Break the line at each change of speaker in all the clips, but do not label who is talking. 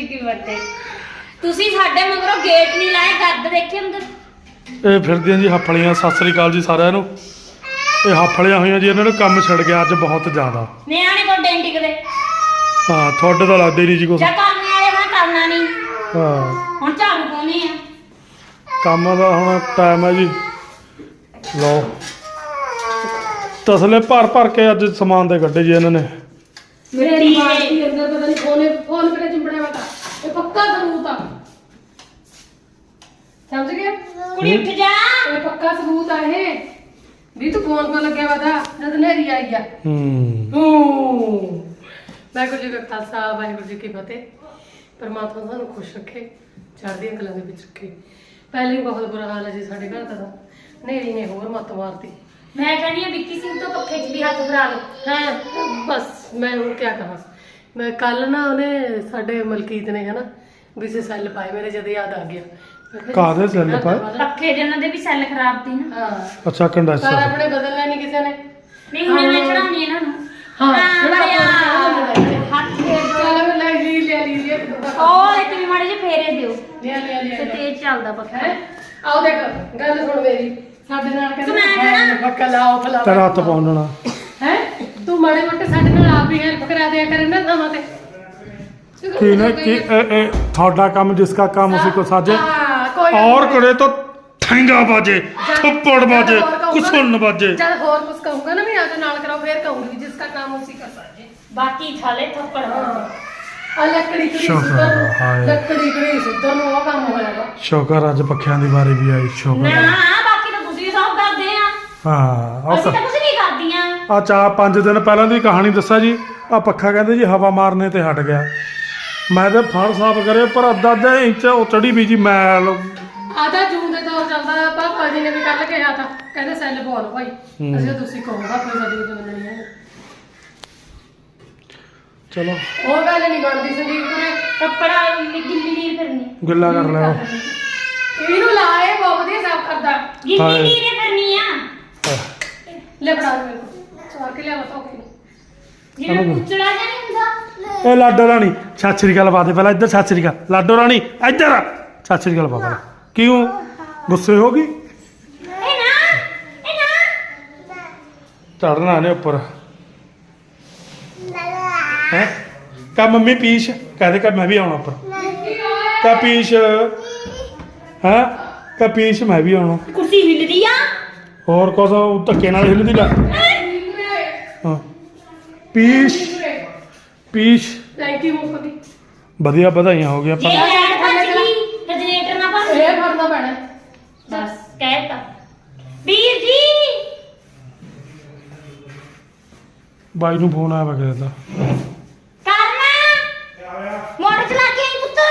ਜੀ ਕੀ ਬਰਥਡੇ ਤੁਸੀਂ ਸਾਡੇ ਮਗਰੋਂ ਗੇਟ ਨਹੀਂ ਲਾਏ ਗੱਦ ਦੇਖੇ ਅੰਦਰ
ਇਹ ਫਿਰਦੀਆਂ ਜੀ ਹੱਫਲੀਆਂ। ਸਤਿ ਸ੍ਰੀ ਅਕਾਲ ਜੀ ਸਾਰਿਆਂ ਨੂੰ। ਇਹ ਹੱਫਲੀਆਂ ਹੋਈਆਂ ਜੀ, ਇਹਨਾਂ ਨੂੰ ਕੰਮ ਛਿੜ ਗਿਆ ਅੱਜ ਬਹੁਤ ਜ਼ਿਆਦਾ।
ਨਿਆਣੇ ਤੋਂ ਡੈਂਟੀ ਕਦੇ
ਹਾਂ ਤੁਹਾਡੇ ਤਾਂ ਲੱਗਦੇ ਨਹੀਂ ਜੀ ਕੁਛ।
ਜਾਂ ਕੰਮ ਵਾਲੇ ਮੈਂ ਕਰਨਾ ਨਹੀਂ।
ਹਾਂ
ਹੁਣ ਝਾੜੂ ਪਾਉਣੀ ਆ।
ਕੰਮ ਦਾ ਹੁਣ ਟਾਈਮ ਹੈ ਜੀ। ਲਓ ਤਸਲੇ ਭਰ ਕੇ ਅੱਜ ਸਮਾਨ ਦੇ ਗੱਡੇ ਜੀ ਇਹਨਾਂ ਨੇ।
ਮੇਰੇ ਦਿਮਾਗ ਦੇ ਅੰਦਰ ਪਤਾ ਨਹੀਂ ਫੋਨ ਕਿਹੜੇ ਚਿੰਬੜਿਆ ਵਾ। ਇਹ ਪੱਕਾ ਸਬੂਤ ਆ, ਸਮਝ ਗਿਆ?
ਕੁੜੀ ਉੱਠ ਜਾ।
ਇਹ ਪੱਕਾ ਸਬੂਤ ਆ ਇਹ ਵੀ ਤੂੰ ਫੋਨ ਕੋ ਲੱਗਿਆ ਵਾ ਤਾਂ ਜਦ ਨੇਰੀ ਆਈ ਆ। ਵਾਹਿਗੁਰੂ ਜੀ ਕਾ ਖਾਲਸਾ ਵਾਹਿਗੁਰੂ ਜੀ ਕੀ ਫਤਿਹ। ਪਰਮਾਤਮਾ ਸਾਨੂੰ ਖੁਸ਼ ਰੱਖੇ, ਚੜ੍ਹਦੀਆਂ ਕਲਾਂ ਦੇ ਵਿੱਚ ਰੱਖੇ। ਪਹਿਲੇ ਹੀ ਬਹੁਤ ਬੁਰਾ ਹਾਲ ਹੈ ਜੀ ਸਾਡੇ ਘਰ ਦਾ। ਨੇਰੀ ਨੇ ਹੋਰ ਮੱਤ ਮਾਰਤੀ।
ਮੈਂ ਕਹਿੰਦੀ ਆ ਵਿੱਕੀ ਸਿੰਘ ਤੋਂ ਪੱਖੇ 'ਚ ਵੀ ਹੱਥ ਫਰਾ ਲਓ।
ਹਾਂ ਬਸ ਮੈਂ ਹੁਣ ਕੀ ਕਹਾਂ। ਮੈਂ ਕੱਲ ਨਾ ਉਹਨੇ ਸਾਡੇ ਮਲਕੀਤ ਨੇ ਹਨਾ ਵੀ ਸੈੱਲ ਪਾਏ, ਮੇਰੇ ਜਦ ਯਾਦ ਆ ਗਿਆ।
ਕਾਹਦੇ ਸੈੱਲ ਪਾਏ?
ਪੱਖੇ ਜਿਹਨਾਂ ਦੇ ਵੀ ਸੈੱਲ ਖਰਾਬ ਸੀ ਨਾ।
ਹਾਂ
ਅੱਛਾ
ਪਰ
ਕੰਡੈਂਸਰ।
ਆਪਣੇ ਬਦਲਣਾ ਨਹੀਂ ਕਿਸੇ ਨੇ।
ਨਹੀਂ ਹੁਣ ਮੈਂ ਚੜਾਉਣੀ ਇਹਨਾਂ ਨੂੰ।
ਹਾਂ
ਹੱਥ ਫੇਰ ਦਿਓ।
ਚੱਲ ਮੈਂ ਲੈ ਲਈ
ਉਹ ਇੱਕ ਵੀ ਮਾੜੇ ਜਿਹੇ ਫੇਰੇ ਦਿਓ
ਲਿਆ
ਤੇ ਤੇਜ਼ ਚੱਲਦਾ ਪੱਖਾ।
ਆਓ ਦੇਖ ਗੱਲ ਸੁਣ ਮੇਰੀ। ਸਾਡੇ ਨਾਲ ਕਹਿੰਦੇ ਪੱਕਾ ਲਾਓ ਫਲਾਓ
ਤੇਰਾ ਹੱਥ ਪਾਉਣਾ
ਹੈ। ਤੂੰ ਮਾੜੇ ਮੋਟੇ ਸਾਡੇ ਨਾਲ ਆਪ ਹੀ ਹੈਲਪ ਕਰਾ ਦਿਆ ਕਰ ਨਾ ਥਾਵਾਂ ਤੇ।
ਕੀ ਨੇ ਕਿ ਇਹ ਤੁਹਾਡਾ ਕੰਮ ਜਿਸका काम उसी को साजे
ਕੋਈ
और करे तो ठेंगा बाजे थप्पड़ बाजे कुछ बाजे।
जब और कुछ कहूंगा ना मैं आगे नाल कराओ फिर कहूंगी जिसका काम उसी कर साजे।
ਬਾਕੀ ਥਾਲੇ ਥੱਪੜ
ਆ ਲੱਕੜੀ ਕੜੀ
ਸ਼ੁਕਰ
ਸੁੱਧਰ
ਹਾਏ।
ਲੱਕੜੀ ਕੜੀ ਸੁੱਧਰ ਨੂੰ ਉਹ ਕੰਮ ਹੋਇਆਗਾ।
ਸ਼ੁਕਰ ਅੱਜ ਪੱਖਿਆਂ ਦੀ ਵਾਰੀ ਵੀ ਆਈ। ਸ਼ੁਕਰ
ਨਾ ਬਾਕੀ ਤਾਂ ਤੁਸੀਂ ਸਭ ਕਰਦੇ ਆ।
ਹਾਂ
ਅਸੀਂ ਤਾਂ ਕੁਝ ਨਹੀਂ ਕਰਦੀਆਂ।
ਆ 4-5 ਦਿਨ ਪਹਿਲਾਂ ਦੀ ਕਹਾਣੀ ਦੱਸਾਂ ਜੀ। ਆ ਪੱਖਾ ਕਹਿੰਦੇ ਜੀ ਹਵਾ ਮਾਰਨੇ ਤੇ ਹਟ ਗਿਆ। ਮੈਂ ਤੇ ਫੜ ਸਾਫ ਕਰੇ ਪਰ ਅੱਧਾ ਇੰਚ ਉਹ ਚੜੀ ਵੀ ਜੀ ਮੈਲ।
ਆਦਾ ਜੂਨ ਦੇ ਦੌਰ ਚੱਲਦਾ। ਪਾਪਾ ਜੀ ਨੇ ਵੀ ਕੱਲ ਕਿਹਾ ਤਾਂ ਕਹਿੰਦੇ ਸੈੱਲ ਪਵਾ ਲਓ ਭਾਈ। ਅਸੀਂ ਤੁਸੀਂ ਕਹੋਗਾ ਕੋਈ ਸਾਡੀ ਮੰਨਣੀ ਹੈ।
ਚਲੋ
ਉਹ ਗੱਲ ਨਹੀਂ ਬਣਦੀ ਸੰਦੀਪ ਕੋਲੇ।
ਕੱਪੜਾ ਗਿੱਲੀ ਨੀਰ ਫਿਰਨੀ।
ਗਿੱਲਾ ਕਰ ਲਿਆ।
ਇਹਨੂੰ ਲਾਏ ਬਹੁਤ ਵਧੀਆ ਸਾਫ ਕਰਦਾ।
ਗਿੱਲੀ ਨੀਰ ਫਿਰਨੀ ਆ।
ਲੈ ਫੜਾ ਦੇ ਮੇਰੇ ਕੋਲ ਸਵਾਰ ਕੇ ਲਿਆ ਬਤਾ ਕੇ।
ਜਿਵੇਂ ਕੁਚੜਾ ਜਾਂ ਨਹੀਂ ਹੁੰਦਾ।
ਇਹ ਲਾਡੋ ਰਾਣੀ ਸਤਿ ਸ੍ਰੀ ਅਕਾਲ ਪਾ ਦੇ ਪਹਿਲਾਂ ਇੱਧਰ। ਸਤਿ ਸ੍ਰੀ ਅਕਾਲ ਲਾਡੋ ਰਾਣੀ ਇੱਧਰ ਸਤਿ ਸ੍ਰੀ ਅਕਾਲ ਪਾ ਪਹਿਲਾਂ। ਕਿਉਂ ਗੁੱਸੇ ਹੋ ਗਈ?
ਇਹ ਨਾ
ਚੜਨਾ ਨੇ ਉੱਪਰ ਹੈ। ਕਾ ਮੰਮੀ ਪੀਸ਼ ਕਹਦੇ ਕਾ ਮੈਂ ਵੀ ਆਉਣਾ ਉੱਪਰ। ਕਾ ਪੀਸ਼ ਹੈ ਕਾ ਪੀਸ਼ ਮੈਂ ਵੀ ਆਉਣਾ।
ਕੁਰਸੀ ਹਿੱਲਦੀ ਆ।
ਹੋਰ ਕੁਛ ਧੱਕੇ ਨਾਲ ਹਿੱਲਦੀ ਲੈ। ਹਾਂ ਪੀਸ਼ ਪੀਸ਼
ਥੈਂਕ ਯੂ ਮੁੱਕ ਗਈ।
ਵਧੀਆ ਵਧਾਈਆਂ ਹੋ ਗਈਆਂ
ਜੇ
ਆਪਾਂ।
ਲੈਟ ਭੱਜ ਗਈ ਜਨਰੇਟਰ ਨਾ ਭੱਜ।
ਇਹ ਫੜਨਾ ਪੈਣਾ।
ਬਸ ਕਹਿਤਾ ਵੀਰ ਜੀ।
ਬਾਈ ਨੂੰ ਫੋਨ ਆਇਆ ਵਾ ਕਿਸੇ ਦਾ।
ਕਰਨਾ ਮੋਟਰ ਚਲਾ ਕੇ ਆਈ ਪੁੱਤ।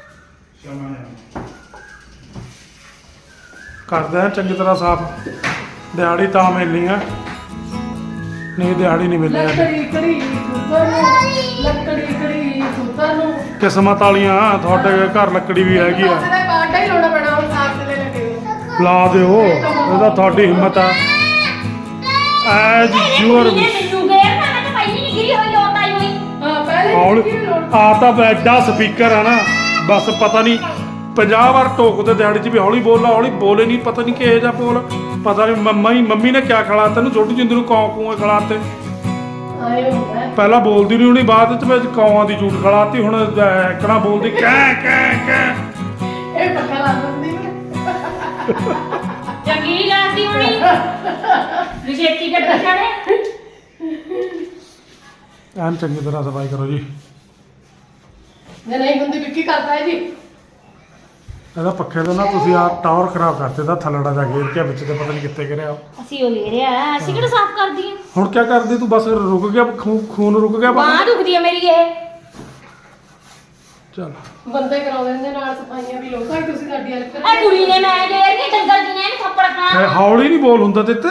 ਕਰਦੇ ਆ ਚੰਗੀ ਤਰ੍ਹਾਂ ਸਾਫ। ਦਿਹਾੜੀ ਤਾਂ ਮਿਲਣੀ ਆ ਨਹੀਂ ਦਿਹਾੜੀ ਨਹੀਂ ਮਿਲਣੀ।
ਲੱਕੜੀ ਕੜੀ ਸੁੱਧਰ ਨੂੰ ਲੱਕੜੀ ਕੜੀ ਸੁੱਧਰ ਨੂੰ।
ਕਿਸਮਤ ਵਾਲੀਆਂ ਤੁਹਾਡੇ ਘਰ ਲੱਕੜੀ ਵੀ ਹੈਗੀ ਆ।
ਪਾਸੇ ਦਾ ਕਾਂਟਾ ਹੀ ਲਾਉਣਾ ਪੈਣਾ ਹੁਣ ਸਾਗ ਦੇ ਲੱਗੇ।
ਲਾ ਦਿਓ ਇਹਦਾ ਤੁਹਾਡੀ ਹਿੰਮਤ ਆ। ਐਜ ਯੂਅਰ
ਮੈਨੂੰ ਗੇਰ ਨਾ ਮੈਂ ਤਾਂ ਪਹਿਲੀ ਨਹੀਂ ਗਿਰੀ ਹੋਈ ਲੋਟ ਆਈ ਹੋਈ।
ਹਾਂ ਪਹਿਲੇ
ਹੌਲੀ
ਕੀ ਲੋੜ।
ਆ ਤਾਂ ਐਡਾ ਸਪੀਕਰ ਆ ਨਾ ਬਸ ਪਤਾ ਨਹੀਂ 50 ਵਾਰ ਟੋਕਦੇ ਦਿਹਾੜੀ 'ਚ ਵੀ ਹੌਲੀ ਬੋਲੇ ਨਹੀਂ। ਪਤਾ ਨਹੀਂ ਕਿਹੋ ਜਿਹਾ ਬੋਲ। ਪਤਾ ਨਹੀਂ ਮੰਮੀ ਨੇ ਕਿਆ ਖਿਲਾ ਤੈਨੂੰ ਛੋਟੀ ਜਿੰਦੀ ਨੂੰ ਕੌਂ ਕੂਆਂ ਖਿਲਾਤੇ।
ਆਏ ਹੁੰਦਾ
ਪਹਿਲਾਂ ਬੋਲਦੀ ਨਹੀਂ ਹੁਣੀ ਬਾਅਦ ਵਿੱਚ ਵਿੱਚ ਕੌਆਂ ਦੀ ਝੂਠ ਖਿਲਾਤੀ। ਹੁਣ ਐਕਣਾ ਬੋਲਦੀ ਕਹਿ
ਇਹ ਪੱਕਾ ਲਾ ਦਿੰਦੀ ਮੈਂ।
ਚੰਗੀ ਨਹੀਂ ਲੱਗਦੀ ਹੋਣੀ। ਵਿਸ਼ੇਤੀ ਗੱਡੀ ਚੜੇ।
ਐਨ ਚੰਗੀ ਤਰ੍ਹਾਂ ਸਫਾਈ ਕਰੋ ਜੀ।
ਜੇ ਨਹੀਂ ਹੁੰਦੀ ਵਿੱਕੀ ਕਰਦਾ ਹੈ ਜੀ।
ਇਹਦਾ ਪੱਖੇ ਤੋਂ ਨਾ ਤੁਸੀਂ ਆ ਟਾਵਰ ਖਰਾਬ ਕਰਤੇ ਦਾ ਥੱਲੜਾ ਜਾ ਗੇਰ ਕੇ ਵਿੱਚ ਤੇ ਪਤਾ ਨਹੀਂ ਕਿੱਥੇ ਗਿਰਿਆ।
ਅਸੀਂ ਉਹ ਲੈ ਰਿਆ ਅਸੀਂ ਕਿਹੜਾ ਸਾਫ਼ ਕਰਦੀ ਆ।
ਹੁਣ ਕੀ ਕਰਦੀ ਤੂੰ? ਬਸ ਰੁਕ ਗਿਆ ਖੂਨ ਰੁਕ ਗਿਆ।
ਬਾਂਹ ਦੁਖਦੀ ਆ ਮੇਰੀ ਇਹ।
ਚਲ
ਬੰਦੇ ਕਰਾਉਂਦੇ ਨੇ ਨਾਲ ਸਫਾਈਆਂ ਵੀ ਲੋਕਾਂ ਹੀ। ਤੁਸੀਂ ਸਾਡੀ ਹੈਲਪ
ਆ ਕੁੜੀ ਨੇ ਮੈਂ ਗੇਰ ਕੇ ਡੰਗਰ ਜੀ ਨੇ ਇਹਨੂੰ ਥੱਪੜ ਖਾਣਾ।
ਹੌਲੀ ਨਹੀਂ ਬੋਲ ਹੁੰਦਾ ਤੇ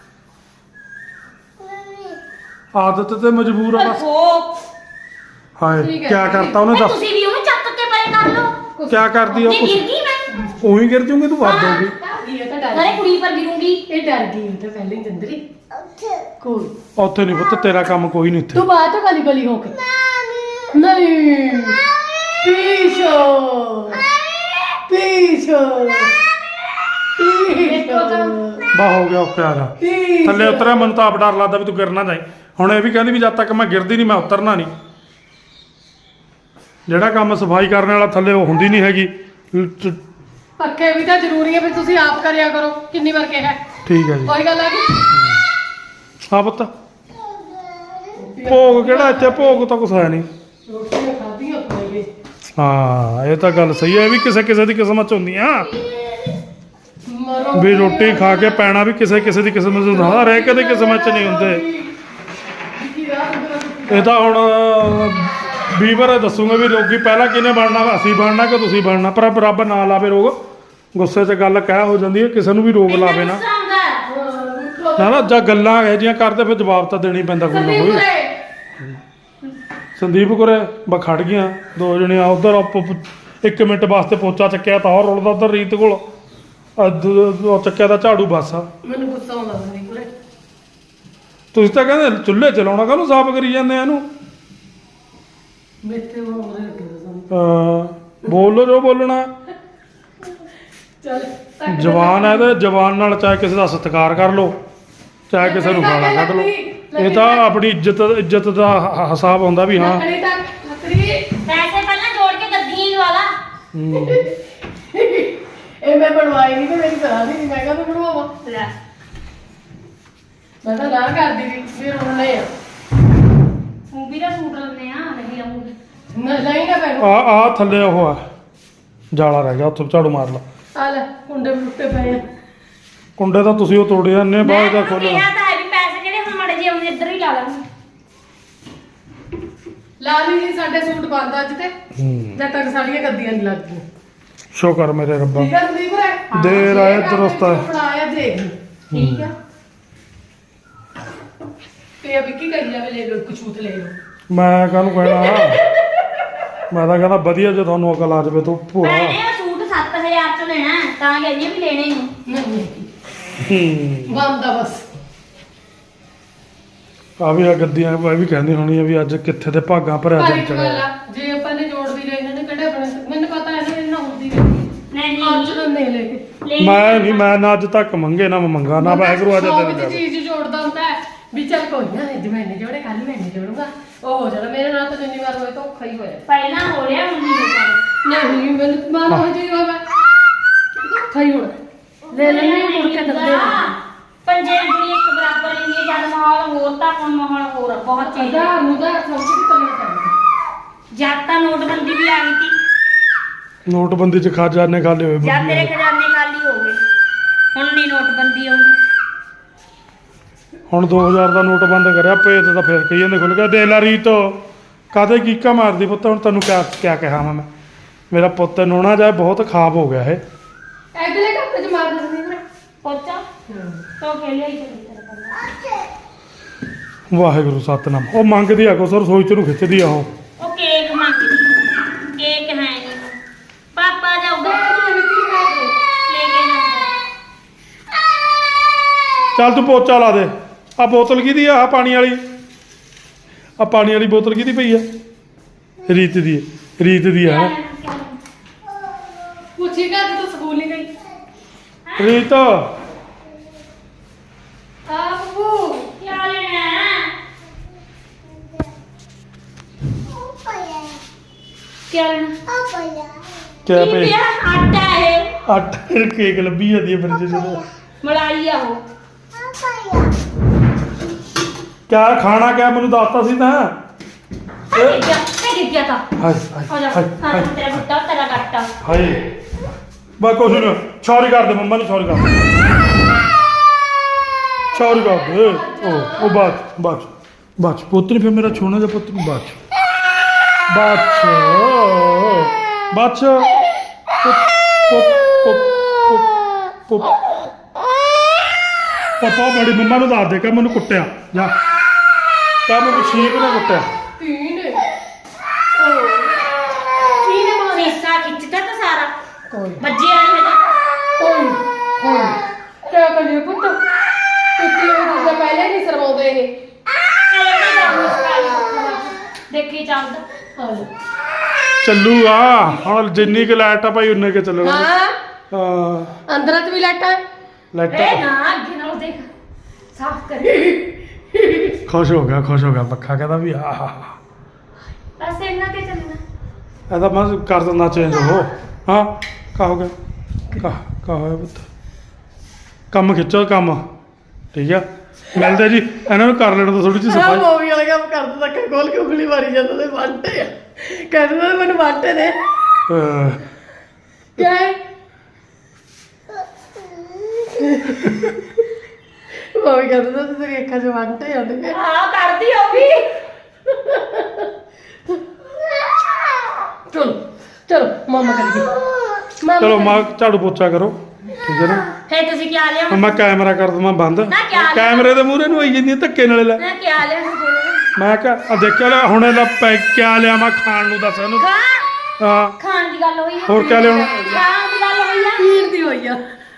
ਆਦਤ ਤੇ ਮਜਬੂਰ ਆ ਬਸ। ਹਾਏ
ਠੀਕ ਹੈ,
ਕਿਆ ਕਰਤਾ ਉਹਨੇ ਦੱਸ।
ਤੁਸੀਂ ਵੀ ਉਹਨੂੰ ਚੱਕ ਕੇ ਪਰੇ ਕਰ ਲਓ।
ਕਿਆ ਕਰਦੀ ਉਹ
ਜੇ
ਕੁਛ
ਗਿਰ ਗਈ ਮੈਂ
ਉਹੀ ਗਿਰ ਜੂਗੀ ਤੂੰ ਵੱਧ ਹੋਗੀ।
ਇਹ ਤਾਂ ਡਰ
ਨਾਲੇ ਕੁੜੀ ਪਰ ਗਿਰੂੰਗੀ।
ਇਹ ਡਰ ਗਈ ਉਹ ਤਾਂ ਪਹਿਲੇ ਹੀ ਜੰਦਰੀ। ਕੋਈ
ਉੱਥੇ ਨਹੀਂ ਪੁੱਤ ਤੇਰਾ ਕੰਮ ਕੋਈ ਨਹੀਂ ਇੱਥੇ।
ਤੂੰ ਬਾਅਦ ਚ ਗਲੀ ਗਲੀ ਹੋ ਕੇ ਨਹੀਂ ਪੀਸ਼ੋ ਪੀਸ਼ੋ
ਬਾ ਹੋ ਗਿਆ ਓਕੇ ਆ ਜਾ ਥੱਲੇ ਉਤਰਿਆ ਮੈਨੂੰ ਤਾਂ ਆਪ ਡਰ ਲੱਗਦਾ ਵੀ ਤੂੰ ਗਿਰ ਨਾ ਜਾਈ ਹੁਣ ਇਹ ਵੀ ਕਹਿੰਦੀ ਵੀ ਜਦ ਤੱਕ ਮੈਂ ਗਿਰਦੀ ਨਹੀਂ ਮੈਂ ਉਤਰਨਾ ਨਹੀਂ ਜਿਹੜਾ ਕੰਮ ਸਫਾਈ ਕਰਨ ਵਾਲਾ ਥੱਲੇ ਉਹ ਹੁੰਦੀ ਨਹੀਂ ਹੈਗੀ
ਪੱਕੇ ਵੀ ਤਾਂ ਜ਼ਰੂਰੀ ਹੈ ਵੀ ਤੁਸੀਂ ਆਪ ਕਰਿਆ ਕਰੋ ਕਿੰਨੀ ਵਾਰ ਕਿਹਾ
ਠੀਕ ਹੈ ਜੀ
ਕੋਈ ਗੱਲ ਆ ਗਈ
ਹਾਂ ਪੁੱਤ ਭੋਗ ਕਿਹੜਾ ਇੱਥੇ ਭੋਗ ਤਾਂ ਕੁਛ ਹੈ ਨਹੀਂ
ਰੋਟੀਆਂ ਖਾਧੀਆਂ ਹੋਣਗੇ
ਹਾਂ ਇਹ ਤਾਂ ਗੱਲ ਸਹੀ ਹੈ ਇਹ ਵੀ ਕਿਸੇ ਕਿਸੇ ਦੀ ਕਿਸਮਤ ਚ ਹੁੰਦੀਆਂ
ਮਰੋ
ਵੀ ਰੋਟੀ ਖਾ ਕੇ ਪੈਣਾ ਵੀ ਕਿਸੇ ਕਿਸੇ ਦੀ ਕਿਸਮਤ ਚ ਹੁੰਦਾ ਹਰੇਕ ਦੀ ਕਿਸਮਤ ਚ ਨਹੀਂ ਹੁੰਦੇ ਇਹ ਤਾਂ ਹੁਣ ਵੀਵਰ ਦੱਸੂਗਾ ਵੀ ਰੋਗੀ ਪਹਿਲਾਂ ਕਿਹਨੇ ਬਣਨਾ ਅਸੀਂ ਬਣਨਾ ਕਿ ਤੁਸੀਂ ਬਣਨਾ ਪਰ ਰੱਬ ਨਾ ਲਾਵੇ ਰੋਗ ਗੁੱਸੇ 'ਚ ਗੱਲ ਕਹਿ ਹੋ ਜਾਂਦੀ ਹੈ ਕਿਸੇ ਨੂੰ ਵੀ ਰੋਗ ਲਾਵੇ ਨਾ ਨਾ ਜਾਂ ਗੱਲਾਂ ਇਹ ਜੀਆਂ ਕਰਦੇ ਫਿਰ ਜਵਾਬ ਤਾਂ ਦੇਣਾ ਹੀ ਪੈਂਦਾ ਕੋਈ ਨਾ ਕੋਈ ਸੰਦੀਪ ਕੋਰੇ ਖੜ ਗਈਆਂ ਦੋ ਜਣੀਆਂ ਉਧਰ 1 ਮਿੰਟ ਵਾਸਤੇ ਪੋਚਾ ਚੱਕਿਆ ਤਾਂ ਹੋਰ ਰੁਲਦਾ ਉਧਰ ਰੀਤ ਕੋਲ ਉਹ ਚੱਕਿਆ ਦਾ ਝਾੜੂ ਬਸ ਆ
ਮੈਨੂੰ ਗੁੱਸਾ ਆਉਂਦਾ ਨਹੀਂ ਕੋਲੇ
ਤੁਸੀਂ ਤਾਂ ਕਹਿੰਦੇ ਚੁੱਲ੍ਹੇ ਚਲਾਉਣਾ ਕਾਹਨੂੰ ਸਾਫ਼ ਕਰੀ ਜਾਂਦੇ ਆ ਇਹਨੂੰ
ਮੇਥੇ ਮੋਰੇ ਲੱਗੇ
ਬੋਲੋ ਜੋ ਬੋਲਣਾ
ਚੱਲ
ਜਵਾਨ ਹੈ ਤੇ ਜਵਾਨ ਨਾਲ ਚਾਹੇ ਕਿਸੇ ਦਾ ਸਤਿਕਾਰ ਕਰ ਲਓ ਚਾਹੇ ਕਿਸੇ ਨੂੰ ਗਾਲਾਂ ਕੱਢ ਲਓ ਇਹ ਤਾਂ ਆਪਣੀ ਇੱਜ਼ਤ ਦਾ ਹਿਸਾਬ ਹੁੰਦਾ ਵੀ ਹਾਂ
ਲੱਕੜੀ ਤੱਕ ਲੱਕੜੀ
ਪੈਸੇ ਪਹਿਲਾਂ ਜੋੜ ਕੇ ਗੱਦੀ ਵਾਲਾ
ਇਹ ਮੈਂ ਬਣਵਾਈ ਨਹੀਂ ਤੇ ਮੇਰੀ ਸਲਾਹ ਨਹੀਂ ਮੈਂ ਕਹਿੰਦਾ ਬਣਵਾਵਾ
ਲੈ
ਮੈਂ ਤਾਂ ਨਾ ਕਰਦੀ ਵੀ ਫਿਰ ਉਹਨੇ ਆ
ਮੂਵੀ ਦਾ ਸੂਟ ਲੈਣੇ ਆ ਨਹੀਂ ਲਾਉਂਗੀ
ਨਾ ਨਹੀਂ ਨਾ ਪੈਣ
ਆ ਥੱਲੇ ਉਹ ਆ ਜਾਲਾ ਰਹਿ ਗਿਆ ਉੱਥੇ ਝਾੜੂ ਮਾਰ ਲਾ
ਆ ਲੈ ਕੁੰਡੇ ਵੀ ਟੁੱਟੇ ਪਏ ਆ
ਕੁੰਡੇ ਤਾਂ ਤੁਸੀਂ ਉਹ ਤੋੜੇ ਇੰਨੇ ਬਾਅਦ ਦਾ ਖੋਲ੍ਹਣਾ
ਕਿਹਾ ਤਾਂ ਹੈ ਵੀ ਪੈਸੇ ਜਿਹੜੇ ਹੁਣ ਮੜੇ ਜੇ ਆਉਂਦੇ ਇੱਧਰ ਹੀ ਲਾ ਲਾਂਗੇ
ਲਾ ਲਈ ਜੀ ਸਾਡੇ ਸੂਟ ਬੰਦ ਅੱਜ ਤੇ ਜਦ ਤੱਕ ਸਾਡੀਆਂ ਗੱਦੀਆਂ ਨਹੀਂ ਲੱਗਦੀਆਂ
ਸ਼ੁਕਰ ਮੇਰੇ ਰੱਬਾ
ਠੀਕ ਆ ਸੰਦੀਪ ਰੇ
ਦੇਰ ਆਏ ਦਰੁਸਤ ਆਏ
ਬਣਾਇਆ ਦੇਖ
ਠੀਕ ਆ
ਤੇ ਅਬ ਕੀ ਕਰੀ ਜਾਵੇ ਲੈ ਲੋ ਕੁਛੂਤ ਲੈ ਲੋ
ਮੈਂ ਕਾਹਨੂੰ ਕਹਿਣਾ ਮੈਂ ਤਾਂ ਕਹਿੰਦਾ ਵਧੀਆ ਜੇ ਤੁਹਾਨੂੰ ਅਕਲ ਆ ਜਾਵੇ ਤੂੰ ਭੋਲਾ
ਮੈਨੇ ਉਹ ਸੂਟ 7000 ਚ ਲੈਣਾ ਹੈ, ਤਾਂ ਕਹਿੰਦੀ ਆ ਵੀ ਲੈਣੇ ਹੀ ਨਹੀਂ
ਨਹੀਂ ਬੰਦ ਆ ਬਸ
ਆ ਵੀ ਆ ਗੱਦੀਆਂ ਇਹ ਵੀ ਕਹਿੰਦੀ ਹੋਣੀ ਆ ਵੀ ਅੱਜ ਕਿੱਥੇ ਤੇ ਭਾਗਾਂ ਭਰਿਆ
ਪਰ
ਦਿਨ
ਇੱਕ ਗੱਲ
ਚੜਿਆ
ਆ ਜੇ ਆਪਾਂ ਨੇ ਜੋੜਦੀ ਰਹੇ ਇਹਨਾਂ ਨੇ ਕਿਹੜੇ ਆਪਣੇ ਮੈਨੂੰ ਪਤਾ ਇਹਨਾਂ ਨੇ ਹੁੰਦੀ ਰਹੀ
ਨਹੀਂ
ਅੱਜ ਤਾਂ ਨਹੀਂ ਲੈ ਕੇ
ਮੈਂ ਨਹੀਂ ਮੈਂ ਨਾ ਅੱਜ ਤੱਕ ਮੰਗੇ ਨਾ ਮੈਂ ਮੰਗਾ ਨਾ ਵਾਹਿਗੁਰੂ ਅੱਜ
ਸੌ
ਦਿਨ
ਵਿੱਚ
ਕਰ
ਚੀਜ਼ ਜੋੜਦਾ ਹੁੰਦਾ ਹੈ ਵੀ ਚੱਲ ਕੋਈ ਨਾ ਅੱਜ ਮੈਨੇ ਜੋੜੇ ਕੱਲ ਮੈਨੇ ਜੋੜੂਗਾ ਉਹ ਹੋ ਜਾਣਾ ਮੇਰੇ ਨਾਲ ਤਾਂ ਜਿੰਨੀ ਵਾਰ ਹੋਏ ਤਾਂ ਔਖਾ ਹੀ ਹੋਇਆ
ਪਹਿਲਾਂ ਹੋ ਰਿਹਾ ਹੁਣ ਨਹੀਂ ਹੋਣਾ
ਨਹੀਂ ਮੈਨੂੰ ਮਾਨ ਹੋ ਜੀ ਹੋਵੇ ਔਖਾ ਹੀ ਹੋਣਾ ਲੈ ਲੈਣੇ ਮੁੜ ਕੇ ਦੱਦੇ
ਪੰਜੇ ਉਂਗਲੀ ਇੱਕ ਬਰਾਬਰ ਨਹੀਂ ਹੈ ਜਦ ਮਾਹੌਲ ਹੋਰ ਤਾਂ ਹੁਣ ਮਾਹੌਲ ਹੋਰ ਆ, ਬਹੁਤ ਚੇਂਜ
ਆਧਾਰ ਨੂੰ ਦਾ ਸਮਝ ਕੇ ਕਰਨਾ ਚਾਹੀਦਾ
ਜਦ ਤਾਂ ਨੋਟਬੰਦੀ ਵੀ ਆ ਗਈ ਸੀ
ਨੋਟਬੰਦੀ ਚ ਖਜ਼ਾਨੇ ਖਾਲੀ ਹੋਏ
ਜਦ ਤੇਰੇ ਖਜ਼ਾਨੇ ਖਾਲੀ ਹੋ ਗਏ ਹੁਣ ਨਹੀਂ ਨੋਟਬੰਦੀ ਆਉਂਦੀ
ਹੁਣ 2000 ਦਾ ਨੋਟ ਬੰਦ ਕਰਿਆ ਭੇਤ ਤਾਂ ਫਿਰ ਕਹੀ ਜਾਂਦੇ ਖੁੱਲ ਗਿਆ ਦੇ ਲਾ ਰੀਤ ਕਾਦੇ ਕੀਕਾ ਮਾਰਦੀ ਪੁੱਤ ਹੁਣ ਤੈਨੂੰ ਕਿਆ ਕਿਹਾ ਮੈਂ ਮੇਰਾ ਪੁੱਤ ਨੋਣਾ ਜਾਏ ਬਹੁਤ ਖਾਬ ਹੋ ਗਿਆ ਇਹ
ਐਡਲੇ ਕੱਪ ਚ ਮਾਰ ਦਿੰਦੀ ਮੈਂ
ਪੋਚਾ ਤੋ ਖੇਲਿਆ ਹੀ ਚੱਲੀ ਤੇਰੇ ਕੋਲ
ਵਾਹਿਗੁਰੂ ਸਤਨਾਮ ਉਹ ਮੰਗਦੀ ਆ ਕੋ ਸਰ ਰਸੋਈ ਚ ਨੂੰ ਖਿੱਚਦੀ ਆ
ਉਹ ਕੇਕ ਮੰਗਦੀ ਕੇਕ ਹੈ ਨਹੀਂ ਪਾਪਾ ਜਾਊਗਾ ਲੈ ਕੇ ਜਾਂਦਾ
ਚੱਲ ਤੂੰ ਪੋਚਾ ਲਾ ਦੇ ਆ ਬੋਤਲ ਕਿਹਦੀ ਆ ਪਾਣੀ ਵਾਲੀ ਆ ਪਾਣੀ ਵਾਲੀ ਬੋਤਲ ਕਿਹਦੀ ਪਈ ਆ ਰੀਤ ਦੀ ਹੈ। ਰੀਤ ਦੀ ਆ
ਪੁੱਛੀ ਕਾ ਤੂੰ ਸਕੂਲ ਨਹੀਂ ਗਈ
ਰੀਤ
ਬੱਬੂ
ਕੀ ਲੈਣਾ ਕੀ ਲੈਣਾ
ਕਿਆ ਪਈ
ਕੀ ਆਟਾ ਹੈ
ਅੱਠ ਕੇਕ ਲੱਭੀ ਜਾਂਦੀ ਹੈ ਫਰਿੱਜ ਚ
ਮਲਾਈ ਆ ਉਹ
ਕਿਆ ਖਾਣਾ ਕਿਆ ਮੈਨੂੰ ਦੱਸਤਾ ਸੀ ਤਾਂ
ਗਿੱਜਿਆ ਤਾਂ
ਹਾਏ
ਹੋ ਜਾ
ਹਾਏ ਹਾਏ
ਤੇਰਾ ਬੁੱਟਾ ਤੇਰਾ ਕੱਟਾ
ਹਾਏ ਬਾ ਕੁਛ ਨਹੀਂ ਸੌਰੀ ਕਰ ਦੇ ਮੰਮਾ ਨੂੰ ਸੌਰੀ ਕਰ ਦੇ ਸੌਰੀ ਕਰ ਦੇ ਉਹ ਬਾਤ ਪੁੱਤ ਨਹੀਂ ਫਿਰ ਮੇਰਾ ਛੋਣਾ ਜਿਹਾ ਪੁੱਤ ਨੂੰ ਬਾਤ ਪਾਪਾ ਬੜੀ ਮੰਮਾ ਨੂੰ ਦੱਸ ਦੇ ਕਿ ਮੈਨੂੰ ਕੁੱਟਿਆ ਜਾ ਕਾ ਮੈਨੂੰ ਸ਼ੀਪ ਨੇ ਕੁੱਟਿਆ
ਤੀਨ
ਸੀਸਾ ਖਿੱਚਦਾ ਤਾਂ ਸਾਰਾ
ਕੋਈ
ਵੱਜਿਆ ਨਹੀਂ ਹਜੇ
ਕੋਈ ਕਿਆ ਕਰੀਏ ਪੁੱਤ ਕਿਤੇ ਉਹ ਤਾਂ ਪਹਿਲੇ ਨਹੀਂ ਸਰਵਾਉਂਦੇ ਇਹ
ਦੇਖੀ ਚੱਲਦਾ
ਹਾਂ
ਚੱਲੂਗਾ ਹੁਣ ਜਿੰਨੀ ਕੁ ਲਾਈਟ ਆ ਭਾਈ ਉਨੇ ਕੁ ਚੱਲਣਾ
ਹਾਂ
ਹਾਂ
ਅੰਦਰ ਤੇ ਵੀ ਲਾਈਟਾਂ
ਲਾਈਟ
ਨਾ ਅੱਗੇ ਨਾਲ ਦੇਖ ਸਾਫ਼ ਕਰ
ਖੁਸ਼ ਹੋ ਗਿਆ ਪੱਖਾ ਕਹਿੰਦਾ ਵੀ ਆਹ
ਬਸ ਇਹਨਾਂ ਤੇ ਚੱਲਣਾ
ਇਹਦਾ ਮੈਂ ਕਰ ਦਿੰਦਾ ਚੇਂਜ ਉਹ ਹਾਂ ਕਾ ਹੋ ਗਿਆ ਕਾ ਹੋਇਆ ਪੁੱਤ ਕੰਮ ਖਿੱਚੋ ਕੰਮ ਠੀਕ ਆ ਮਿਲਦੇ ਜੀ ਇਹਨਾਂ ਨੂੰ ਕਰ ਲੈਣ ਤੋਂ ਥੋੜੀ ਜਿਹੀ
ਹਾਂ
ਸਫਾਈ
ਮੂਵੀ ਵਾਲਾ ਕੰਮ ਕਰਦਾ ਤਾਂ ਖੋਲ ਕੇ ਉਂਗਲੀ ਮਾਰੀ ਜਾਂਦਾ ਤੇ ਵਾਂਟੇ ਆ ਕਹਿੰਦਾ ਮੈਨੂੰ ਵਾਂਟੇ ਦੇ ਕਿਆ ਹੈ ਉਹ ਕਹਿੰਦਾ ਤਾਂ ਤੇਰੀ ਅੱਖਾਂ 'ਚ ਵਾਂਟੇ ਆਉਂਦੇ ਨੇ
ਹਾਂ ਕਰਦੀ ਉਹ ਵੀ
ਚਲੋ ਮਾਮਾ ਕਰੀਏ
ਚਲੋ ਮਾਂ ਝਾੜੂ ਪੋਚਾ ਕਰੋ ਠੀਕ ਹੈ ਨਾ
ਫੇਰ ਤੁਸੀਂ ਕੀ ਲਿਆ
ਹੁਣ ਮੈਂ ਕੈਮਰਾ ਕਰ ਦਵਾਂ ਬੰਦ
ਨਾ ਕਿਆ ਲਿਆ?
ਕੈਮਰੇ ਦੇ ਮੂਹਰੇ ਨੂੰ ਆਈ ਜਾਂਦੀ ਆ ਧੱਕੇ ਨਾਲੇ ਲੈ
ਮੈਂ ਕੀ ਲਿਆ
ਮੈਂ ਕਿਹਾ ਆ ਦੇਖਿਆ ਲੈ ਹੁਣ ਇਹਦਾ ਕਿਆ ਲਿਆ ਮੈਂ ਖਾਣ ਨੂੰ ਦੱਸ ਇਹਨੂੰ ਹਾਂ
ਖਾਣ ਦੀ ਗੱਲ ਹੋਈ ਆ
ਹੋਰ ਕਿਆ ਲਿਆਉਣਾ
ਖਾਣ ਦੀ ਗੱਲ ਹੋਈ ਆ
ਪੀਣ ਦੀ ਹੋਈ ਆ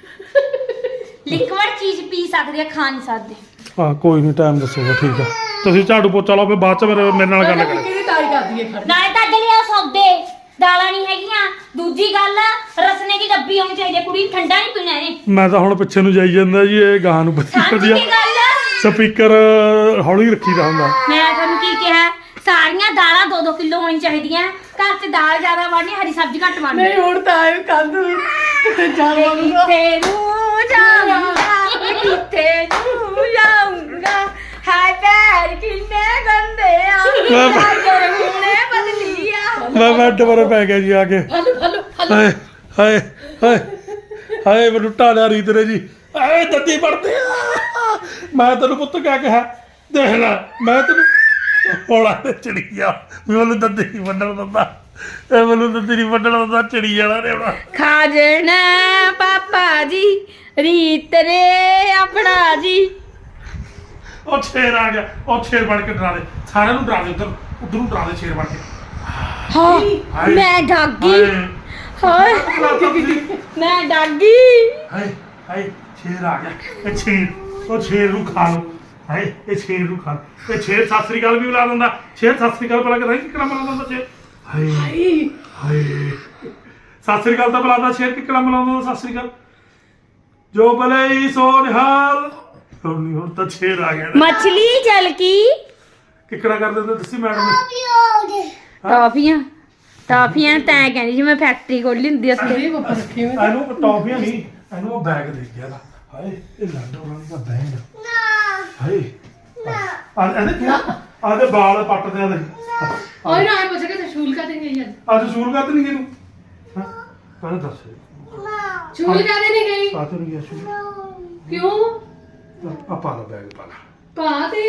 ਲਿਕਵਿਡ ਚੀਜ਼ ਪੀ ਸਕਦੇ ਆ ਖਾ ਨਹੀਂ ਸਕਦੇ
ਹਾਂ ਕੋਈ ਨਹੀਂ ਟਾਈਮ ਦੱਸੂਗਾ ਠੀਕ ਆ ਤੁਸੀਂ ਝਾੜੂ ਪੋਚਾ ਲਾਓ ਫਿਰ ਬਾਅਦ ਚ ਮੇਰੇ ਨਾਲ ਗੱਲ ਕਰਿਓ
ਕਿਹਦੀ ਤਾਈ ਕਰਦੀ ਹੈ ਖੜ
ਨਾਲੇ ਤਾਂ ਅੱਗੇ ਲਿਆ ਸੌਦੇ ਦਾਲਾਂ ਨਹੀਂ ਹੈਗੀਆਂ ਦੂਜੀ ਗੱਲ ਰਸਨੇ ਦੀ ਡੱਬੀ ਆਉਣੀ ਚਾਹੀਦੀ ਆ, ਕੁੜੀ ਨੂੰ ਠੰਡਾ ਨਹੀਂ ਪੀਣਾ ਇਹਨੇ
ਮੈਂ ਤਾਂ ਹੁਣ ਪਿੱਛੇ ਨੂੰ ਜਾਈ ਜਾਂਦਾ ਜੀ ਇਹ ਗਾਂ ਨੂੰ ਬੱਤੀ
ਸਮਝ
ਕਰਦੀ
ਕੀ
ਆ
ਗੱਲ
ਸਪੀਕਰ ਹੌਲੀ ਰੱਖੀਦਾ ਹੁੰਦਾ
ਮੈਂ ਤੁਹਾਨੂੰ ਕੀ ਕਿਹਾ ਸਾਰੀਆਂ ਦਾਲਾਂ 2-2 ਕਿਲੋ ਹੋਣੀ ਚਾਹੀਦੀਆਂ ਘਰ 'ਚ ਦਾਲ ਜ਼ਿਆਦਾ ਵਾੜਨੀ ਹਰੀ ਸਬਜ਼ੀ ਘੱਟ ਵਾੜਨੀ
ਨਹੀਂ ਹੁਣ ਤਾਂ ਆਏ ਕੰਧ ਵੀ ਕਿਤੇ ਜਾਵਾਂਗਾ
ਕਿੱਥੇ ਨੂੰ ਜਾਊਂਗਾ ਕਿੱਥੇ ਨੂੰ ਜਾਊਂਗਾ ਹਾਏ ਪੈਰ ਕਿੰਨੇ ਗੰਦੇ ਆ ਹਾਏ ਹੁਣੇ ਬਦਲੀ ਆ
ਮੈਂ ਦੁਬਾਰਾ ਪੈ ਗਿਆ ਜੀ ਆ ਕੇ
ਹਲੋ
ਹਾਏ ਹਾਏ ਹਾਏ ਹਾਏ ਮੈਨੂੰ ਢਾਲਿਆ ਰੀਤ ਨੇ ਜੀ ਆਏ ਦੱਦੀ ਪੜਦੇ ਆ ਮੈਂ ਤੈਨੂੰ ਪੁੱਤ ਕਿਆ ਕਿਹਾ ਦੇਖ ਲੈ ਮੈਂ ਤੈਨੂੰ ਹੋਲਾ ਤੇ ਚੜੀ ਗਿਆ ਵੀ ਮੈਨੂੰ ਦੱਦੀ ਨਹੀਂ ਵੱਢਣ ਦਿੰਦਾ ਇਹ ਮੈਨੂੰ ਦੱਦੀ ਨਹੀਂ ਵੱਢਣ ਦਿੰਦਾ ਚੜੀ ਜਾਣਾ ਨੇ ਹੁਣ
ਖਾ ਜਾਣਾ ਪਾਪਾ ਜੀ ਰੀਤ ਨੇ ਆਪਣਾ ਜੀ
ਉਹ ਸ਼ੇਰ ਆ ਗਿਆ ਉਹ ਸ਼ੇਰ ਬਣ ਕੇ ਡਰਾ ਦੇ ਸਾਰਿਆਂ ਨੂੰ ਡਰਾ ਦੇ ਉਧਰ ਨੂੰ ਡਰਾ ਦੇ ਸ਼ੇਰ ਬਣ ਕੇ
ਹਾਂ
ਹਾਏ।
ਮੈਂ ਡਾਗੀ
ਹਾਏ
ਹਾਏ ਮੈਂ ਡਾਗੀ
ਹਾਏ ਹਾਏ ਸ਼ੇਰ ਆ ਗਿਆ ਇਹ ਸ਼ੇਰ ਉਹ ਸ਼ੇਰ ਨੂੰ ਖਾ ਲਓ ਹਾਏ ਇਹ ਸ਼ੇਰ ਨੂੰ ਖਾ ਲਓ। ਇਹ ਸ਼ੇਰ ਸਤਿ ਸ੍ਰੀ ਅਕਾਲ ਵੀ ਬੁਲਾ ਦਿੰਦਾ ਸ਼ੇਰ ਸਤਿ ਸ੍ਰੀ ਅਕਾਲ ਬੁਲਾ ਕੇ ਨਹੀਂ ਕਿਹੜਾ ਬੁਲਾ ਦਿੰਦਾ ਸ਼ੇਰ ਹਾਏ ਹਾਏ ਸਤਿ ਸ੍ਰੀ ਅਕਾਲ ਤਾਂ ਬੁਲਾਦਾ ਸ਼ੇਰ ਕਿਹੜਾ ਬੁਲਾਉਂਦਾ ਸਤਿ ਸ੍ਰੀ ਅਕਾਲ ਜੋ ਭਲੇ ਸੋ ਨਿਹਾਲ ਹੁਣ ਤਾਂ ਸ਼ੇਰ ਆ ਗਿਆ
ਮਛਲੀ ਜਲ ਕੀ
ਕਿਹੜਾ ਕਰ ਦਿੰਦਾ ਦੱਸੀ ਮੈਡਮ ਨੇ
ਟਾਫੀਆਂ ਟਾਫੀਆਂ ਤੈਂ ਕਹਿੰਦੀ ਸੀ ਮੈਂ ਫੈਕਟਰੀ ਖੋਲੀ ਹੁੰਦੀ ਉੱਥੇ
ਇਹ ਉੱਪਰ ਰੱਖੀ ਹੋਈ
ਇਹਨੂੰ ਟੌਫੀਆਂ ਨਹੀਂ ਇਹਨੂੰ ਉਹ ਬੈਗ ਦੇ ਗਿਆ ਦਾ ਹਾਏ ਇਹ ਲਾਡੋ ਰਾਣੀ ਦਾ ਬੈਗ ਹਾਏ ਇਹਦੇ ਕੀ ਆਦੇ ਵਾਲ ਪੱਟਦੇ ਆ ਦੇ
ਓਏ ਨਾ ਪੁੱਛ ਕੇ ਤੇ ਸ਼ੂਲ ਕਾ ਦੇਂਗੇ ਯਾਰ
ਅੱਜ ਸ਼ੂਲ ਕਰਤ ਨਹੀਂ ਗਈ ਹਾਂ ਕਹਿੰਦਾ ਦੱਸ
ਸ਼ੂਲ ਕਾ ਦੇ ਨਹੀਂ ਗਈ
ਸਾਥ ਨਹੀਂ ਗਿਆ ਸ਼ੂਲ
ਕਿਉਂ
ਆ ਪਾ ਲਾ ਬੈਗ ਪਾ ਲਾ
ਕਾ ਤੇ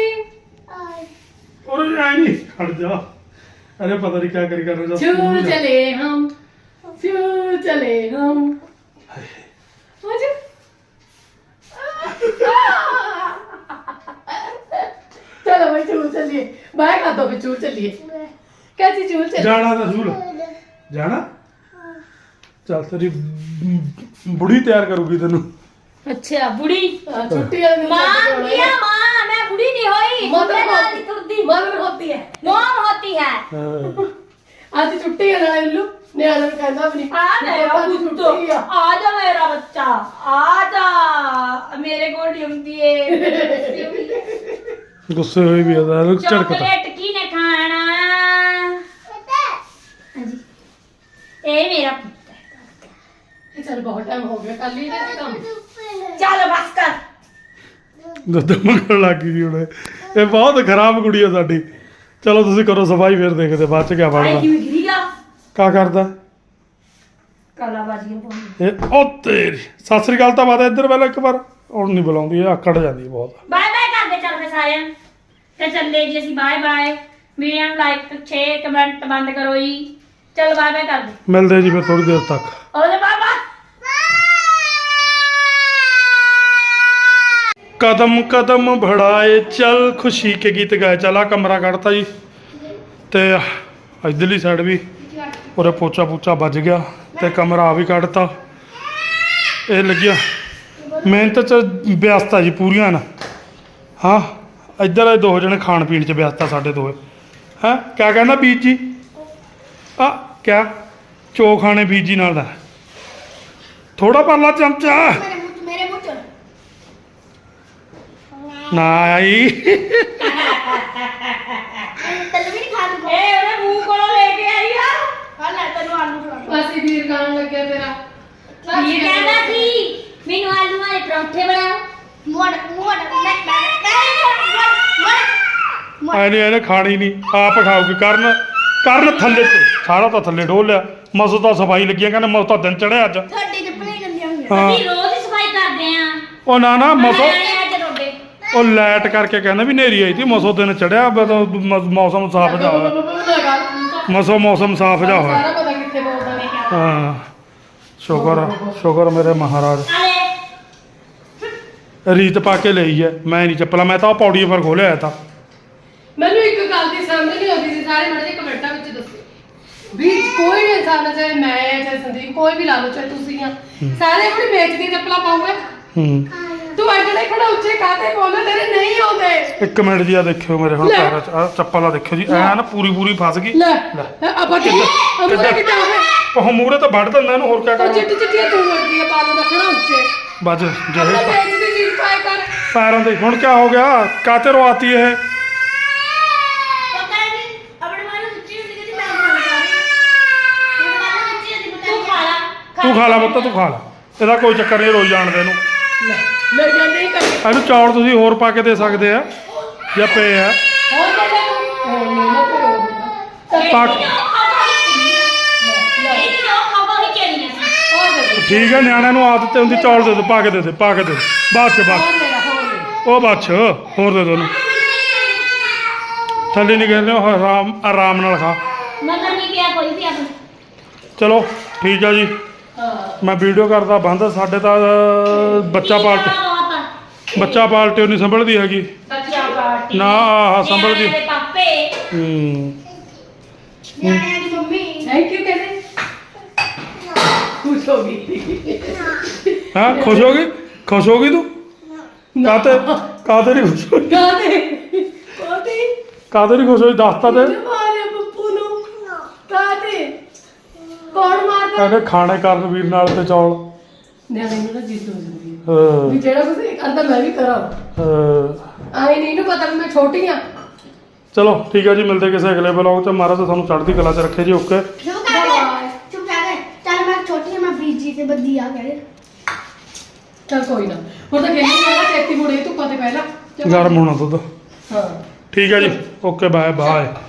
ਔਰ ਆਈ ਨਹੀਂ ਖੜ ਜਾ ਅਰੇ ਪਤਾ ਨਹੀਂ ਕੀ ਕਰੀ ਕਰਨਾ
ਸ਼ੂਲ ਚਲੇ ਹਮ ਸ਼ੂਲ ਚਲੇ ਹਮ ਅੱਜ चलो भाई चूल चलिए बाहर खा दो चूल चलिए कैसी चूल चलिए
ਜਾਣਾ ਤਾਂ ਸ਼ੂਲ ਜਾਣਾ ਚੱਲ ਤੇਰੀ ਬੁੜੀ ਤਿਆਰ ਕਰੂਗੀ ਤੈਨੂੰ
ਅੱਛਾ ਬੁੜੀ
छुट्टी वाले दिन
माँ
जाके करवाना
किया
है।
माँ मैं बुढ़ी नहीं हुई
मदर
मैं
होती
तुरदी
मदर होती है
मॉम होती है
ਹਾਂ।
आज छुट्टी है ना इल्लू नियाला भी कहना भी नहीं
आ मेरा
आज
पुत्त
छुट्टी है
आजा मेरा बच्चा आजा मेरे को ड्यूटी है
ਗੁੱਸੇ ਹੋਈ ਵੀ ਆਦਾ ਝੜਕਦਾ
चॉकलेट की ने खाना हाजी ए मेरा पुत्त है
चल बहुत टाइम हो गया कल ही दे काम
चलो बस कर
ਦੁੱਧ ਮੰਗਣ ਲੱਗ ਗਈ ਜੀ ਹੁਣ ਇਹ ਬਹੁਤ ਖਰਾਬ ਕੁੜੀ ਆ ਸਾਡੀ ਚਲੋ ਤੁਸੀਂ ਕਰੋ ਸਫਾਈ ਫਿਰ ਦੇਖਦੇ ਬਾਅਦ ਚ ਕੀ
आई
ਬਣਦਾ
क्यों गिरी गया
ਕਾ ਕਰਦਾ
काला बाजी बोल
ਇਹ ਉਹ ਤੇਰੀ ਸਤਿ ਸ੍ਰੀ ਅਕਾਲ ਤਾਂ ਬਾਤ ਇੱਧਰ ਪਹਿਲਾਂ ਇੱਕ ਵਾਰ ਹੁਣ ਨਹੀਂ ਬੁਲਾਉਂਦੀ ਇਹ ਆਕੜ ਜਾਂਦੀ ਬਹੁਤ
ਬਾਏ ਬਾਏ ਕਰਦੇ ਚੱਲ ਫੇ ਸਾਰਿਆਂ ਤੇ ਚੱਲੇ ਜੀ ਅਸੀਂ ਬਾਏ ਬਾਏ ਵੀਡੀਓ ਨੂੰ ਲਾਈਕ 6 ਕਮੈਂਟ ਬੰਦ ਕਰੋ ਜੀ ਚਲ ਬਾਏ ਬਾਏ ਕਰਦੇ
ਮਿਲਦੇ ਜੀ ਫਿਰ ਥੋੜੀ ਦੇਰ ਤੱਕ
ਉਹਦੇ ਬਾਬਾ
ਕਦਮ ਕਦਮ ਭੜਾਏ ਚੱਲ ਖੁਸ਼ੀ ਕੇ ਗੀਤ ਗਾਏ ਚੱਲ ਆ ਕਮਰਾ ਕੱਢਤਾ ਜੀ ਤੇ ਇਧਰਲੀ ਸਾਈਡ ਵੀ ਉਰੇ ਪੋਚਾ ਪੂਚਾ ਵੱਜ ਗਿਆ ਤੇ ਕਮਰਾ ਆ ਵੀ ਕੱਢਤਾ ਇਹ ਲੱਗਿਆ ਮਿਹਨਤ ਚ ਵਿਅਸਤਾ ਜੀ ਪੂਰੀਆਂ ਨਾ ਹਾਂ ਇੱਧਰ ਇਹ ਦੋ ਜਣੇ ਖਾਣ ਪੀਣ ਚ ਵਿਅਸਤਾ ਸਾਡੇ ਦੋਏ ਹੈਂ ਕਿਆ ਕਹਿੰਦਾ ਬੀਜ ਜੀ ਆ ਕਿਆ ਚੋ ਖਾਣੇ ਬੀਜੀ ਨਾਲ ਦਾ ਥੋੜਾ ਪਰਲਾ ਚਮਚਾ
ਮੇਰੇ ਮੂੰਹ ਚ
ਨਾ ਆਈ
ਤੈਨੂੰ ਵੀ ਨਹੀਂ ਖਾ ਦੂੰਗਾ
ਇਹ ਉਹਨੇ ਮੂੰਹ ਕੋਲੋਂ ਲੈ ਕੇ ਆਈ ਆ
ਹਾਂ ਲੈ ਤੈਨੂੰ ਆਲੂ ਖਵਾ
ਅਸੀਂ ਵੀਰ ਖਾਣ ਲੱਗਿਆ ਤੇਰਾ
ਇਹ ਕਹਿੰਦਾ ਸੀ ਮੈਨੂੰ ਆਲੂ ਵਾਲੇ ਪਰੌਂਠੇ ਬਣਾਓ
ਮੋੜ
ਐਨੇ ਇਹਨੇ ਖਾਣੀ ਨਹੀਂ ਆਪ ਖਾਊਗੀ ਕਰਨ ਥੱਲੇ ਤੋਂ ਸਾਰਾ ਤਾਂ ਥੱਲੇ ਢੋਲ ਲਿਆ ਮਸੋ ਤਾਂ ਸਫਾਈ ਲੱਗੀਆਂ ਕਹਿੰਦੇ ਮਸੋ ਤਾਂ ਦਿਨ ਚੜਿਆ ਅੱਜ
ਤੁਹਾਡੀ ਚੱਪਲਾਂ ਹੀ ਗੰਦੀਆਂ ਹੋਈਆਂ
ਹਾਂ
ਅਸੀਂ ਰੋਜ਼ ਹੀ ਸਫਾਈ ਕਰਦੇ ਆ
ਉਹ ਨਾ ਮਸੋ
ਅੱਜ ਤੁਹਾਡੇ
ਉਹ ਲਾਈਟ ਕਰਕੇ ਕਹਿੰਦਾ ਵੀ ਨੇਰੀ ਆਈ ਸੀ ਮਸੋ ਦਿਨ ਚੜਿਆ ਮੌਸਮ ਸਾਫ ਜਾ ਹੋਇਆ ਮੌਸਮ ਸਾਫ ਜਾ ਹੋਇਆ
ਸਾਰਾ ਪਤਾ ਕਿੱਥੇ ਬੋਲਦਾ ਨੇ
ਹਾਂ ਸ਼ੁਕਰ ਮੇਰੇ ਮਹਾਰਾਜ
ਆਲੇ
ਰੀਤ ਪਾ ਕੇ ਲਈ ਹੈ ਮੈਂ ਨਹੀਂ ਚੱਪਲਾਂ ਮੈਂ ਤਾਂ ਉਹ ਪੌੜੀ ਪਰ ਖੋਲਿਆ ਆਇਆ ਤਾਂ
ਮੈਨੂੰ ਇੱਕ ਗੱਲ ਦੀ ਸਮਝ ਨਹੀਂ ਆਉਂਦੀ ਸੀ ਸਾਰੇ ਮੜੇ ਕਮੈਂਟਾਂ ਵਿੱਚ ਦੱਸੋ ਵੀ ਕੋਈ ਵੀ ਇਨਸਾਨ ਚਾਹੇ ਮੈਂ ਆ ਚਾਹੇ ਸੰਦੀਪ ਕੋਈ ਵੀ ਲਾ ਲਓ ਚਾਹੇ ਤੁਸੀਂ ਆ ਸਾਰੇ ਆਪਣੀ ਵੇਚਦੀ ਚੱਪਲਾਂ ਪਾਉਂਗੇ ਤੂੰ ਐਡੇ ਖੜਾ ਉੱਚੇ ਕਾਤੇ ਬੋਲੇ ਤੇਰੇ ਨਹੀਂ ਆਉਂਦੇ
ਇੱਕ ਮਿੰਟ ਜੀ ਆ ਦੇਖਿਓ ਮੇਰੇ ਹੁਣ ਪੈਰਾਂ 'ਚ ਆਹ ਚੱਪਲ ਆ ਦੇਖਿਓ ਜੀ ਐ ਨਾ ਪੂਰੀ ਫਸ ਗਈ
ਲੈ ਆਪਾਂ ਕੀ ਅਮਰੇ ਕਿੱਦਾਂ ਹੋਵੇ
ਉਹ ਮੂਰੇ ਤਾਂ ਵੱਢ ਦਿੰਦਾ ਇਹਨੂੰ ਹੋਰ ਕਿਆ
ਉਹ
ਕਰਾਂ
ਚਿੱਟੀ ਚਿੱਟੀ ਤੂੰ ਵਰਦੀ ਆ ਪਾਲੋ ਦਾ ਖੜਾ ਉੱਚੇ
ਬਸ
ਆਪਣਾ
ਜਿਹੜੇ
ਵੇਚਦੀ ਚੀਜ਼ ਪਾਏ ਕਰ
ਪੈਰਾਂ ਦੇ ਹੁਣ ਕਿਆ ਹੋ ਗਿਆ ਕਾਤੇ ਰਵਾਤੀ ਇਹ
ਪਤਾ ਨਹੀਂ ਆਪਣੇ ਮਾਨੂੰ ਸੱਚੀ ਹੁੰਦੀ ਕਿ ਮੈਂ ਖਾਣਾ ਚਾਹਦੀ ਮੇਰੇ ਮਾਨੂੰ ਸੱਚੀ ਹੁੰਦੀ ਪਤਾ
ਤੂੰ ਖਾ ਲਾ
ਤੂੰ ਖਾ ਲਾ ਪੁੱਤ ਤੂੰ ਖਾ ਲਾ ਇਹਦਾ ਕੋਈ ਚੱਕਰ ਨਹੀਂ ਰੋਈ ਜਾਣ ਦੇ ਇਹਨੂੰ
ਲੈ ਜਾਂਦੇ ਹੀ ਕਰੀ
ਇਹਨੂੰ ਚੌਲ ਤੁਸੀਂ ਹੋਰ ਪਾ ਕੇ ਦੇ ਸਕਦੇ ਆ ਜਾਂ ਪਏ ਆ
ਹੋਰ ਲੈ ਲੈ ਹੋਰ ਲੈ ਲੈ ਕੋਈ ਹੋਰ ਨਹੀਂ
ਪਾ
ਇਹ ਜੋ ਖਾਵਾ ਹੀ ਚੜੀਆਂ ਸੀ
ਹੋਰ ਦੇ ਦੇ
ਠੀਕ ਹੈ ਨਿਆਣਿਆਂ ਨੂੰ ਆਦਤ ਤੇ ਹੁੰਦੀ ਚੌਲ ਦੇ ਦੋ ਪਾ ਕੇ ਦੇ ਬਾਅਦ ਚ
ਹੋਰ ਲੈ ਲੈ ਹੋਰ ਲੈ
ਉਹ ਬਾਅਦ ਚ ਹੋਰ ਦੇ ਦੋ ਉਹਨੂੰ ਥੱਲੇ ਨਹੀਂ ਕਹਿੰਦੇ ਉਹ ਆਰਾਮ ਨਾਲ ਖਾ
ਮਗਰ ਨਹੀਂ ਪਿਆ ਕੋਈ ਵੀ ਆਪਣਾ
ਚਲੋ ਠੀਕ ਆ ਜੀ
ਹਾਂ
ਮੈਂ ਵੀਡੀਓ ਕਰਦਾ ਬੰਦ ਸਾਡੇ ਤਾਂ ਬੱਚਾ ਪਾਲਟੀ ਉਹ ਨਹੀਂ ਸੰਭਲਦੀ ਹੈਗੀ
ਬੱਚਾ ਪਾਰਟੀ
ਨਾ ਆਹ ਸੰਭਲਦੀ
ਨਿਆਣਿਆਂ ਦੇ ਪਾਪੇ
ਨਿਆਣਿਆਂ ਦੀ ਮੰਮੀ
ਥੈਂਕ ਯੂ ਕਹਿੰਦੇ ਖੁਸ਼ ਹੋ ਗਈ
ਹਾਂ ਖੁਸ਼ ਹੋ ਗਈ ਤੂੰ ਕਾਤੇ ਨਹੀਂ ਖੁਸ਼ ਹੋਈ
ਕਾਦੇ
ਕਾਤੇ ਨਹੀਂ ਖੁਸ਼ ਹੋਈ ਦੱਸਤਾ ਤੇ
ਮਾਰੇ ਪੱਪੂ ਨੂੰ ਕਾਦੇ ਕੌਣ ਮਾਰਦਾ
ਕਹਿੰਦੇ ਖਾਣੇ ਕਰਨ ਵੀਰ ਨਾਲ ਤੇ ਚੌਲ
ਨਿਆਣੇ ਨੂੰ ਨਾ ਜਿੱਦ ਹੋ ਜਾਂਦੀ ਹੈ
ਹਾਂ,
ਵੀ ਜਿਹੜਾ ਕੁਝ ਇਹ ਕਰਦਾ ਮੈਂ ਵੀ ਕਰਾਂ ਆਈ ਨਹੀਂ ਨੂੰ ਪਤਾ ਵੀ ਮੈਂ ਛੋਟੀ ਆ
ਚਲੋ ਠੀਕ ਹੈ ਜੀ ਮਿਲਦੇ ਕਿਸੇ ਅਗਲੇ ਵਲੌਗ 'ਚ ਮਹਾਰਾਜ ਤੁਹਾਨੂੰ ਚੜ੍ਹਦੀ ਕਲਾ 'ਚ ਰੱਖੇ ਜੀ ਓਕੇ
ਚੁੱਪ ਕਰ ਗਏ ਚੁੱਪ ਕਰ ਗਏ ਚੱਲ ਮੈਂ ਛੋਟੀ ਹਾਂ, ਮੈਂ ਬੀਜੀ ਤੇ ਬੱਦੀ ਆ ਗਏ
ਚਲ ਕੋਈ ਨਾ ਹੁਣ ਤਾਂ ਕਹਿੰਦੀ ਮੈਂ ਖੇਤੀ ਮੁੜੇ ਤੂੰ ਪਤੇ ਪਹਿਲਾਂ ਚੱਲ।
ਗਰਮ ਹੋਣਾ ਦੁੱਧ
ਹਾਂ
ਠੀਕ ਹੈ ਜੀ ਓਕੇ ਬਾਏ